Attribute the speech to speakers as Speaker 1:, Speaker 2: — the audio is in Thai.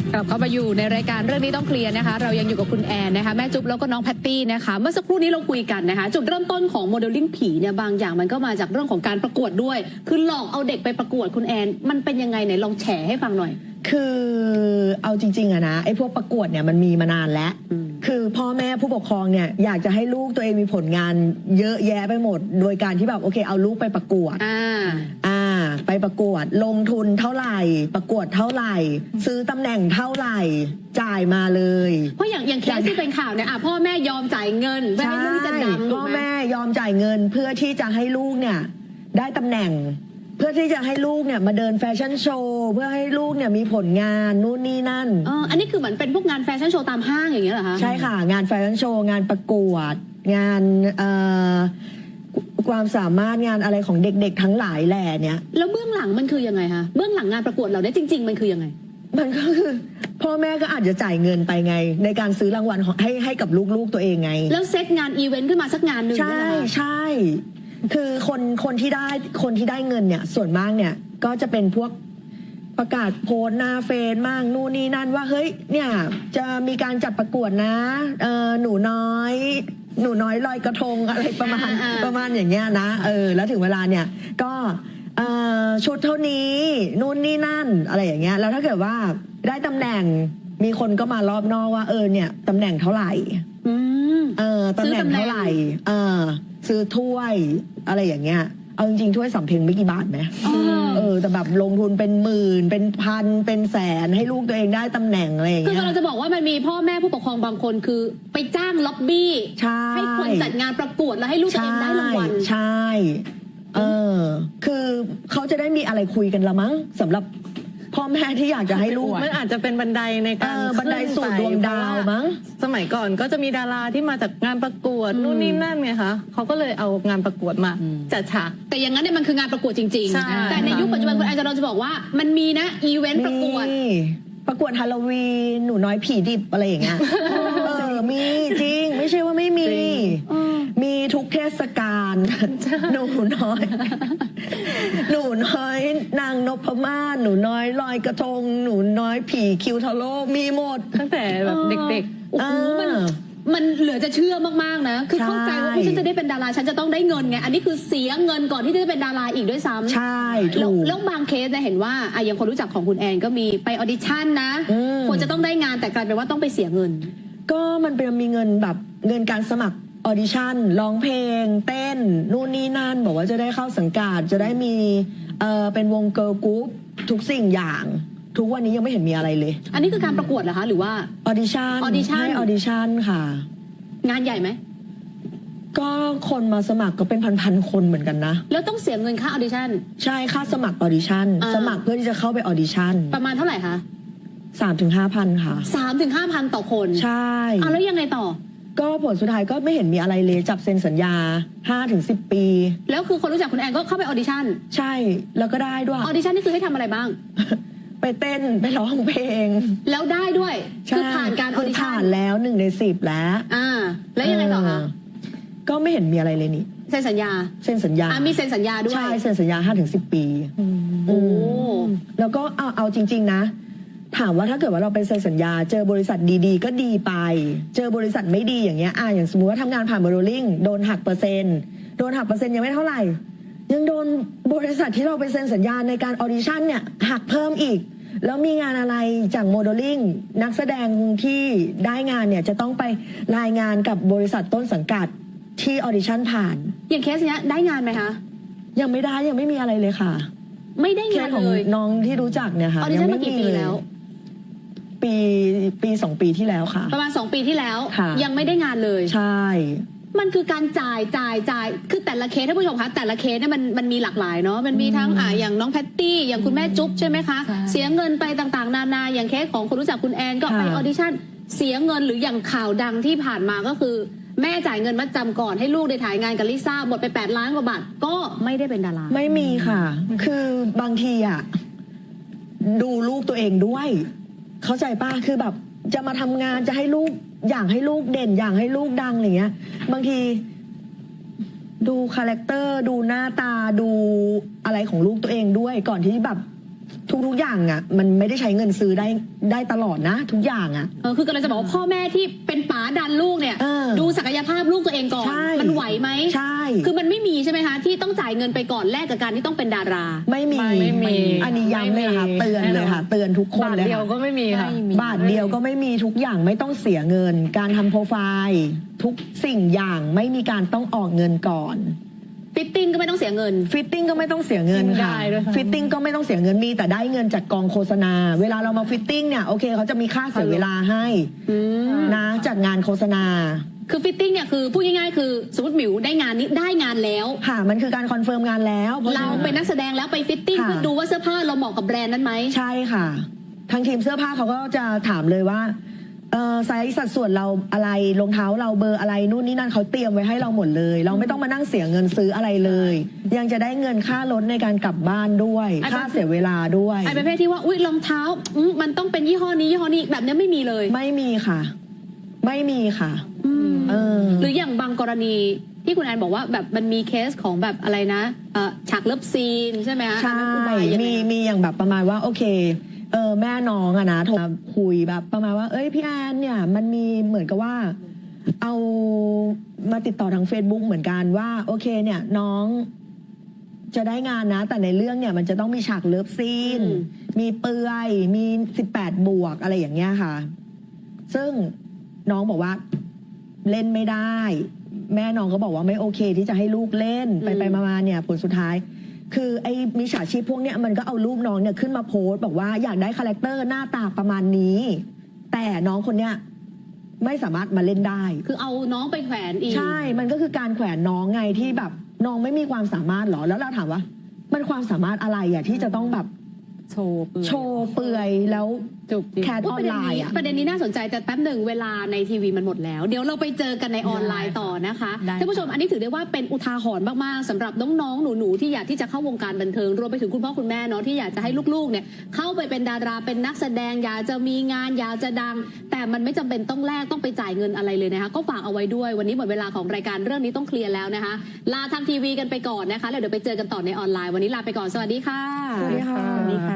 Speaker 1: กลับเข้ามาอยู่ในรายการเรื่องนี้ต้องเคลียร์นะคะเรายังอยู่กับคุณแอนนะคะแม่จุ๊บแล้วก็น้องแพตตี้นะคะเมื่อสักครู่นี้เราคุยกันนะคะจุดเริ่มต้นของโมเดลลิ่งผีเนี่ยบางอย่างมันก็มาจากเรื่องของการประกวดด้วยคือหลอกเอาเด็กไปประกวดคุณแอนมันเป็นยังไงไหนลองแฉให้ฟังหน่อย
Speaker 2: คือเอาจริงๆอะนะไอ้พวกประกวดเนี่ยมันมีมานานแล้วคือพ่อแม่ผู้ปกครองเนี่ยอยากจะให้ลูกตัวเองมีผลงานเยอะแยะไปหมดโดยการที่แบบโอเคเอาลูกไปประกวดไปประกวดลงทุนเท่าไหร่ประกวดเท่าไหร่ซื้อตำแหน่งเท่าไหร่จ่ายมาเลย
Speaker 1: เพราะอย่างเคสที่เป็นข่าวเนี่ยพ่อแม่ยอมจ่ายเงินเพื่อให้ลูกจะดัง
Speaker 2: พ่อแม่ยอมจ่ายเงินเพื่อที่จะให้ลูกเนี่ยได้ตำแหน่งเพื่อที่จะให้ลูกเนี่ยมาเดินแฟชั่นโชว์เพื่อให้ลูกเนี่ยมีผลงานนู่นนี่นั่น
Speaker 1: อันนี้คือเหมือนเป็นพวกงานแฟชั่นโชว์ตามห้างอย่างเงี้ยเหรอคะ
Speaker 2: ใช่ค่ะงานแฟชั่นโชว์งานประกวดงานความสามารถงานอะไรของเด็กๆทั้งหลายแหล่เนี่ย
Speaker 1: แล้วเบื้องหลังมันคือยังไงคะเบื้องหลังงานประกวดเราเนี่ยจริงๆมันคือยังไง
Speaker 2: มันก็คือพ่อแม่ก็อาจจะจ่ายเงินไปไงในการซื้อรางวัลให้กับลูกๆตัวเองไง
Speaker 1: แล้วเซตงานอีเวนต์ขึ้นมาสักงานหนึ่ง
Speaker 2: ใช่คือคนที่ได้เงินเนี่ยส่วนมากเนี่ยก็จะเป็นพวกประกาศโพสหน้าเฟซมากนู่นนี่นั่นว่าเฮ้ยเนี่ยจะมีการจัดประกวดนะหนูน้อยลอยกระทงอะไรประมาณอย่างเงี้ยนะแล้วถึงเวลาเนี่ยก็ชุดเท่านี้นู่นนี่นั่นอะไรอย่างเงี้ยแล้วถ้าเกิดว่าได้ตำแหน่งมีคนก็มารอบนอกว่าเนี่ยตำแหน่งเท่าไหร่ตำแหน่งเท่าไหร่ซื้อถ้วยอะไรอย่างเงี้ยเอาจริงๆถ้วยสำเพ็งไม่กี่บาทไหมแต่แบบลงทุนเป็นหมื่นเป็นพันเป็นแสนให้ลูกตัวเองได้ตำแหน่งอะไรอย่างเงี้ย
Speaker 1: คือเราจะบอกว่ามันมีพ่อแม่ผู้ปกครองบางคนคือไปจ้างล็อบบี้ให้คนจัดงานประกวดแล้วให้ลูกตัวเองได้รางวัล
Speaker 2: ใช่คือเขาจะได้มีอะไรคุยกันละมั้งสำหรับพ่อแม่ที่อยากจะให้ลูก
Speaker 3: มันอาจจะเป็นบันไดในการ
Speaker 2: บันไดสู่ดวงดาวมั้ง
Speaker 3: สมัยก่อนก็จะมีดาราที่มาจากงานประกวดนู่นนี่นั่นไงคะเขาก็เลยเอางานประกวดมาจัดฉาก
Speaker 1: แต่อย่างนั้นเนี่ยมันคืองานประกวดจริงๆแต่ในยุคปัจจุบันคุณแอนจะบอกว่ามันมีนะอีเวนต์ประกวด
Speaker 2: ฮาโลวีนหนูน้อยผีดิบอะไรอย่างเงี้ยมีจริงไม่ใช่ว่าไม่มีทุกเทศกาลหนูน้อยนางนพมาศหนูน้อยลอยกระทงหนูน้อยผีคิวทาโร่มีหมด
Speaker 3: ตั้งแต่แบบเด็ก
Speaker 1: ๆโอ้โหมันเหลือจะเชื่อมากๆนะคือเข้าใจว่าฉันจะได้เป็นดาราฉันจะต้องได้เงินไงอันนี้คือเสียเงินก่อนที่จะเป็นดาราอีกด้วยซ้ำ
Speaker 2: ใช่ถูก
Speaker 1: แล้วบางเคสเนี่ยเห็นว่าอย่างคนรู้จักของคุณแอนก็มีไปออดิชั่นนะควรจะต้องได้งานแต่กลายเป็นว่าต้องไปเสียเงิน
Speaker 2: ก็มันเป็นมีเงินแบบเงินการสมัครออดิชั่นร้องเพลงเต้นนู่นนี่นั่นบอกว่าจะได้เข้าสังกัดจะได้มีเป็นวงเกิร์ลกรุ๊ปทุกสิ่งอย่างทุกวันนี้ยังไม่เห็นมีอะไรเลย
Speaker 1: อันนี้คือการประกวดเหรอคะหรือว่า
Speaker 2: ออดิชั่นให้ออดิชั่นค่ะ
Speaker 1: งานใหญ่ไหม
Speaker 2: ก็คนมาสมัครก็เป็นพันคนเหมือนกันนะ
Speaker 1: แล้วต้องเสียเงินค่าออดิชั่น
Speaker 2: ใช่ค่าสมัครออดิชั่นสมัครเพื่อที่จะเข้าไปออดิชั่น
Speaker 1: ประมาณเท่าไหร่คะ
Speaker 2: 3-5,000ค่ะ
Speaker 1: 3-5,000ต่อคน
Speaker 2: ใช่
Speaker 1: แล้วยังไงต่อ
Speaker 2: ก็ผลสุดท้ายก็ไม่เห็นมีอะไรเลยจับเซ็นสัญญา 5-10 ปี
Speaker 1: แล้วคือคนรู้จักคุณแอนก็เข้าไปออดิชั่น
Speaker 2: ใช่แล้วก็ได้ด้วยอ
Speaker 1: อดิชั่นนี่คือให้ทำอะไรบ้าง
Speaker 2: ไปเต้นไปร้องเพลง
Speaker 1: แล้วได้ด้วยคือผ่านการออดิชั่น
Speaker 2: ผ่านแล้ว1 ใน 10แล้ว
Speaker 1: แล้วยังไงต่อคะ
Speaker 2: ก็ไม่เห็นมีอะไรเลยนี่
Speaker 1: เซ็นสัญญามีเซ็นสัญญาด้วย
Speaker 2: ใช่เซ็นสัญญา 5-10 ปีแล้วก็เอาจริงๆนะถามว่าถ้าเกิดว่าเราไปเซ็นสัญญาเจอบริษัทดีๆก็ดีไปเจอบริษัทไม่ดีอย่างเงี้ยอย่างสมมติว่าทำงานผ่านโมเดลลิ่งโดนหักเปอร์เซ็นต์ยังไม่เท่าไหร่ยังโดนบริษัทที่เราไปเซ็นสัญญาในการออดิชั่นเนี่ยหักเพิ่มอีกแล้วมีงานอะไรจากโมเดลลิ่งนักแสดงที่ได้งานเนี่ยจะต้องไปรายงานกับบริษัทต้นสังกัดที่ออดิชั่นผ่าน
Speaker 1: อย่างเคสเนี้ยได้งานไหมคะ
Speaker 2: ยังไม่ได้ยังไม่มีอะไรเลยค่ะ
Speaker 1: ไม่ได้งานเลย
Speaker 2: ของน้องที่รู้จักเนี่ยค่ะ
Speaker 1: ออดิชั่นมากี่ปีแล้ว
Speaker 2: ปี 2 ปีที่แล้วค่ะ
Speaker 1: ประมาณ2 ปีที่แล้วยังไม่ได้งานเลย
Speaker 2: ใช่
Speaker 1: มันคือการจ่ายคือแต่ละเคสท่านผู้ชมคะแต่ละเคสเนี่ยมันมีหลากหลายเนาะมันมีทั้งอย่างน้องแพตตี้อย่างคุณแม่จุ๊บใช่ไหมคะเสียเงินไปต่างๆนานาอย่างเคสของคนรู้จักคุณแอนก็ไปออดิชั่นเสียเงินหรืออย่างข่าวดังที่ผ่านมาก็คือแม่จ่ายเงินมัดจำก่อนให้ลูกได้ถ่ายงานกับลิซ่าหมดไป8 ล้านกว่าบาทก็ไม่ได้เป็นดารา
Speaker 2: ไม่มีค่ะคือบางทีดูลูกตัวเองด้วยเข้าใจป่ะคือแบบจะมาทำงานจะให้ลูกอยากให้ลูกเด่นอยากให้ลูกดังอะไรเงี้ยบางทีดูคาแรคเตอร์ดูหน้าตาดูอะไรของลูกตัวเองด้วยก่อนที่แบบทุกอย่างอ่ะมันไม่ได้ใช้เงินซื้อได้ตลอดนะ ทุกอย่างอ่ะ
Speaker 1: คือกำลังจะบอกว่าพ่อแม่ที่เป็นป๋าดันลูกเนี่ย ดูศักยภาพลูกตัวเองก่อน
Speaker 2: ใช่
Speaker 1: มันไหวไหม
Speaker 2: ใช่
Speaker 1: คือมันไม่มีใช่ไหมคะที่ต้องจ่ายเงินไปก่อนแลกกับการที่ต้องเป็นดารา
Speaker 2: ไม่มี
Speaker 3: ไม่มี
Speaker 2: อันนี้ย้ำเลยค่ะ
Speaker 3: ไม่มี
Speaker 2: เตือนเลยค่ะ เตือนทุกคน
Speaker 3: บาท
Speaker 2: เลย
Speaker 3: เดียว
Speaker 2: ค่ะ
Speaker 3: ก็ไม่มีค่ะ
Speaker 2: บาทเดียวก็ไม่มีทุกอย่างไม่ต้องเสียเงิน การทำโปรไฟล์ทุกสิ่งอย่างไม่มีการต้องออกเงินก่อน
Speaker 1: ฟิตติ้งก็ไม่ต้องเสียเงิน
Speaker 2: ฟิตติ้งก็ไม่ต้องเสียเงินค่ะ
Speaker 3: ได้ด้วยค่ะ
Speaker 2: ฟิตติ้งก็ไม่ต้องเสียเงินมีแต่ได้เงินจากกองโฆษณา เวลาเรามาฟิตติ้งเนี่ยโอเคเขาจะมีค่าเสียเวลาให้นะจากงานโฆษณา
Speaker 1: คือฟิตติ้งเนี่ยคือพูดง่ายๆคือสมมติหมิวได้งานนี้ได้งานแล้ว
Speaker 2: ค่ะมันคือการคอนเฟิร์มงานแล้วพะฉะ
Speaker 1: เรา
Speaker 2: นั้น
Speaker 1: เป็นนักแสดงแล้วไปฟิตติ้ง
Speaker 2: ค่ะ
Speaker 1: เพื่อดูว่าเสื้อผ้าเราเหมาะกับแบรนด์นั้นไหม
Speaker 2: ใช่ค่ะทางทีมเสื้อผ้าเขาก็จะถามเลยว่าไซส์สัดส่วนเราอะไรรองเท้าเราเบอร์อะไรนู่นนี่นั่นเขาเตรียมไว้ให้เราหมดเลย เราไม่ต้องมานั่งเสียเงินซื้ออะไรเลย ยังจะได้เงินค่ารถในการกลับบ้านด้วย ค่าเสียเวลาด้วย
Speaker 1: ไอ้ประเภทที่ว่าอุ๊ยรองเท้ามันต้องเป็นยี่ห้อนี้ยี่ห้อนี้แบบเนี้ยไม่มีเลย
Speaker 2: ไม่มีค่ะ ไม่มีค่ะ
Speaker 1: หรืออย่างบางกรณีที่คุณแอนบอกว่าแบบมันมีเคสของแบบอะไรนะฉากเลิฟซีนใช่ไหมคะ
Speaker 2: ใช่
Speaker 1: อันนั้นอุบายยังไง
Speaker 2: มีอย่างแบบประมาณว่าโอเคแม่น้องอะนะโทรมาคุยแบบประมาณว่าเอ้ยพี่แอนเนี่ยมันมีเหมือนกับว่าเอามาติดต่อทาง Facebook เหมือนกันว่าโอเคเนี่ยน้องจะได้งานนะ แต่ในเรื่องเนี่ยมันจะต้องมีฉากเลิฟซีนมีเปลือยมี18 บวกอะไรอย่างเงี้ยค่ะ ซึ่งน้องบอกว่าเล่นไม่ได้ แม่น้องก็บอกว่าไม่โอเคที่จะให้ลูกเล่นไปมาเนี่ยผลสุดท้าย คือไอ้มิจฉาชีพพวกเนี้ยมันก็เอารูปน้องเนี่ยขึ้นมาโพสต์บอกว่าอยากได้คาแรคเตอร์หน้าตาประมาณนี้ แต่น้องคนเนี้ยไม่สามารถมาเล่นได้
Speaker 1: คือเอาน้องไปแขวนอีก
Speaker 2: ใช่ มันก็คือการแขวนน้องไงที่แบบน้องไม่มีความสามารถหรอ แล้วเราถามว่า มันความสามารถอะไรอะที่จะต้องแบบ
Speaker 3: โชว์เปลือย
Speaker 2: โชว์เปลือยแล้ว
Speaker 3: จุกจิก
Speaker 2: แคทออนไลน์อะ
Speaker 1: ประเด็นนี้น่าสนใจแต่แป๊บหนึ่งเวลาในทีวีมันหมดแล้ว เดี๋ยวเราไปเจอกันในออนไลน์ต่อนะคะ
Speaker 3: ได้
Speaker 1: ท่านผู้ชมอันนี้ถือได้ว่าเป็นอุทาหรณ์มากๆสำหรับน้องๆหนูๆที่อยากที่จะเข้าวงการบันเทิงรวมไปถึงคุณพ่อคุณแม่เนาะที่อยากจะให้ลูกๆเนี่ยเข้าไปเป็นดาราเป็นนักแสดงอยากจะมีงานอยากจะดัง แต่มันไม่จำเป็นต้องแลกต้องไปจ่ายเงินอะไรเลยนะคะก็ฝากเอาไว้ด้วยวันนี้หมดเวลาของรายการเรื่องนี้ต้องเคลียร์แล้วนะคะลาทางทีวีกันไปก่อนนะคะแล้วเดี๋ยวไปเจอกันต่อในออนไลน์วันนี้ลาไปก่อนสวัสดีค่ะ
Speaker 2: สวัสดีค่ะ